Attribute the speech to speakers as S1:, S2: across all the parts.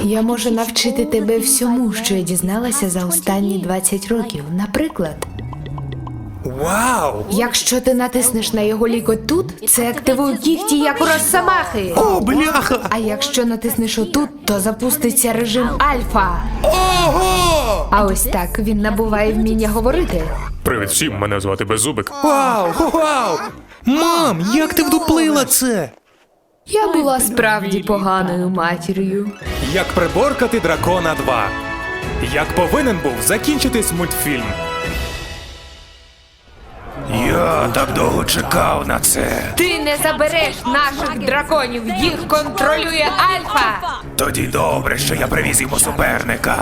S1: Я можу навчити тебе всьому, що я дізналася за останні 20 років. Наприклад,
S2: Вау!
S1: якщо ти натиснеш на його лікоть тут, це активує кігті, як у росомахи.
S2: О, бляха!
S1: А якщо натиснеш отут, то запуститься режим альфа.
S2: Ого!
S1: А ось так він набуває вміння говорити.
S3: Привіт всім, мене звати Беззубик.
S2: Вау! Вау! Мам, як ти вдуплила це?
S1: Я була справді поганою матір'ю.
S2: Як приборкати дракона 2. Як повинен був закінчитись мультфільм. Я так довго чекав на це.
S1: Ти не забереш наших драконів, їх контролює альфа.
S2: Тоді добре, що я привіз йому суперника.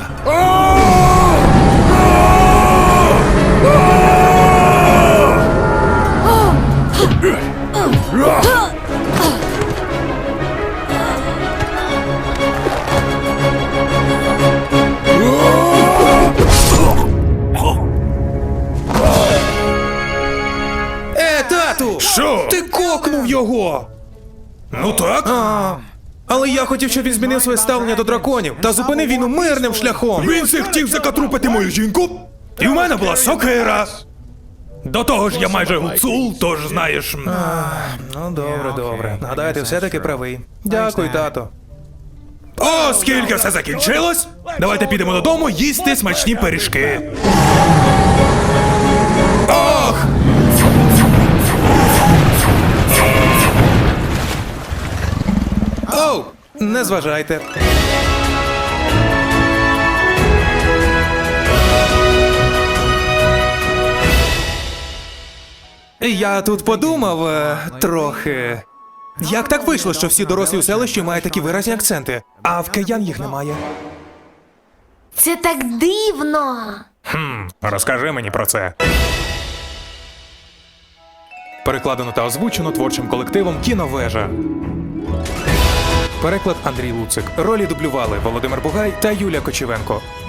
S2: Тату!
S3: Що?
S2: Ти кокнув його!
S3: Ну так?
S2: Але я хотів, щоб він змінив своє ставлення до драконів та зупинив війну мирним шляхом.
S3: Він це хотів закатрупити мою жінку, і в мене була сокира. До того ж, я майже гуцул, тож знаєш.
S2: Ну, добре, добре. Гадаю, ти все-таки правий. Дякую, тато.
S3: Оскільки все закінчилось, давайте підемо додому їсти смачні пиріжки. Ох!
S2: Оу! Не зважайте. Я тут подумав трохи. Як так вийшло, що всі дорослі у селищі мають такі виразні акценти, а в киян їх немає?
S1: Це так дивно.
S3: Розкажи мені про це.
S2: Перекладено та озвучено творчим колективом «Кіновежа». Переклад Андрій Луцик. Ролі дублювали Володимир Бугай та Юлія Кочевенко.